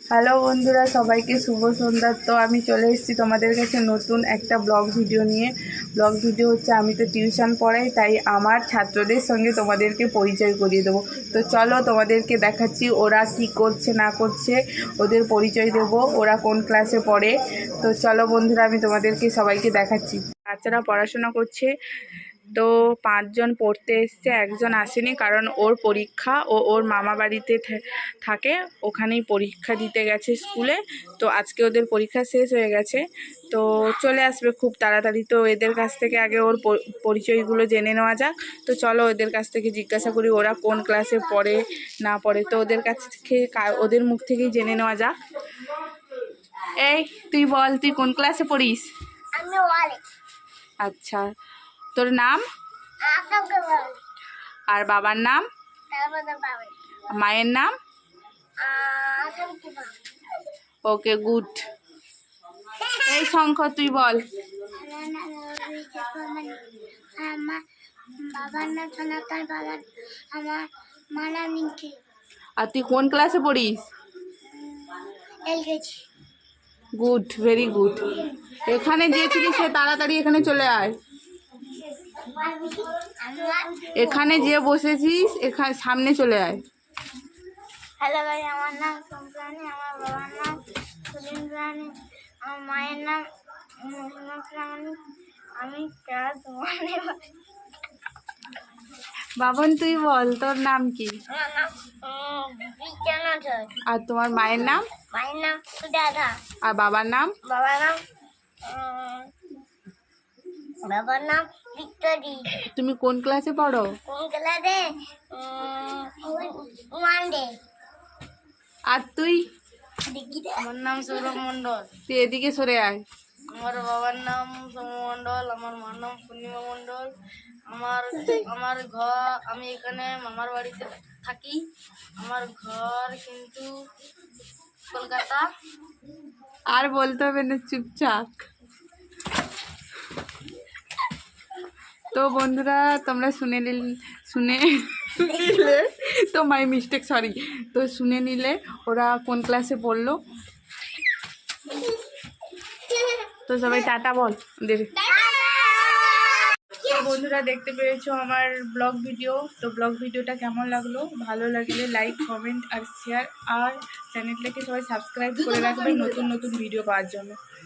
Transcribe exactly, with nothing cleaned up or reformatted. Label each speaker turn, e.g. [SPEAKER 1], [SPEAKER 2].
[SPEAKER 1] Hello বন্ধুরা, সবাইকে শুভ সন্ধ্যা। তো আমি চলে এসেছি তোমাদের কাছে নতুন একটা ব্লগ ভিডিও নিয়ে। ব্লগ ভিডিও হচ্ছে, আমি তো টিউশন পড়াই, তাই আমার ছাত্রদের সঙ্গে তোমাদেরকে পরিচয় করিয়ে দেবো। তো চলো তোমাদেরকে দেখাচ্ছি ওরা কি করছে না করছে, ওদের পরিচয় দেব, ওরা কোন ক্লাসে পড়ে। তো চলো বন্ধুরা, আমি তোমাদেরকে সবাইকে দেখাচ্ছি। বাচ্চারা পড়াশোনা করছে। তো পাঁচজন পড়তে এসছে, একজন আসেনি কারণ ওর পরীক্ষা, ও ওর মামা বাড়িতে থাকে, ওখানেই পরীক্ষা দিতে গেছে স্কুলে। তো আজকে ওদের পরীক্ষা শেষ হয়ে গেছে, তো চলে আসবে খুব তাড়াতাড়ি। তো এদের কাছ থেকে আগে ওর পরিচয়গুলো জেনে নেওয়া যাক। তো চলো ওদের কাছ থেকে জিজ্ঞাসা করি ওরা কোন ক্লাসে পড়ে না পড়ে। তো ওদের কাছ থেকে ওদের মুখ থেকেই জেনে নেওয়া যাক। এই তুই বল, তুই কোন ক্লাসে পড়িস? আচ্ছা, তোর নাম আর বাবার নাম, মায়ের নাম? Okay, good. এই শঙ্খ, তুই বল। আর তুই কোন ক্লাসে পড়িস? Good, very good. এখানে যে ছিলিস সে তাড়াতাড়ি এখানে চলে আয়। এখানে যে বসেছিস এখানে সামনে চলে আয়।
[SPEAKER 2] হ্যালো ভাই, আমার নাম সংক্রানি, আমার বাবার নাম সুরেন্দ্র রানী, আমার মায়ের নাম মহিমাপ্রামাণিক, আমি ক্লাস ওয়ানে।
[SPEAKER 1] বাবন, তুই বল, তোর নাম কি?
[SPEAKER 2] আমার নাম বিজ্ঞান।
[SPEAKER 1] আর তোমার মায়ের নাম?
[SPEAKER 2] মায়ের নাম সুজাতা।
[SPEAKER 1] আর বাবার নাম?
[SPEAKER 2] বাবার নাম বাবার নাম ভিক্টরি।
[SPEAKER 1] তুমি কোন ক্লাসে পড়ো?
[SPEAKER 2] কোন ক্লাসে? One day.
[SPEAKER 1] আর তুই?
[SPEAKER 2] আমার নাম সৌরভ মণ্ডল।
[SPEAKER 1] তুই এদিকে সরে আয়।
[SPEAKER 2] আমার বাবার নাম সৌম্য মণ্ডল, আমার মার নাম পূর্ণিমা মণ্ডল। আমার আমার ঘর, আমি এখানে মামার বাড়িতে থাকি। আমার ঘর কিন্তু কলকাতা।
[SPEAKER 1] আর বলতে হবে না, চুপচাপ। তো বন্ধুরা, তোমরা শুনে নিলে শুনে নিলে তো মাই মিস্টেক, সরি। তো শুনে নিলে ওরা কোন ক্লাসে পড়লো। তো সবাই টাটা বল। তো বন্ধুরা, দেখতে পেয়েছো আমার ব্লগ ভিডিও। তো ব্লগ ভিডিওটা কেমন লাগলো? ভালো লাগলে লাইক, কমেন্ট আর শেয়ার, আর চ্যানেলটাকে সবাই সাবস্ক্রাইব করে রাখবেন নতুন নতুন ভিডিও পাওয়ার জন্য।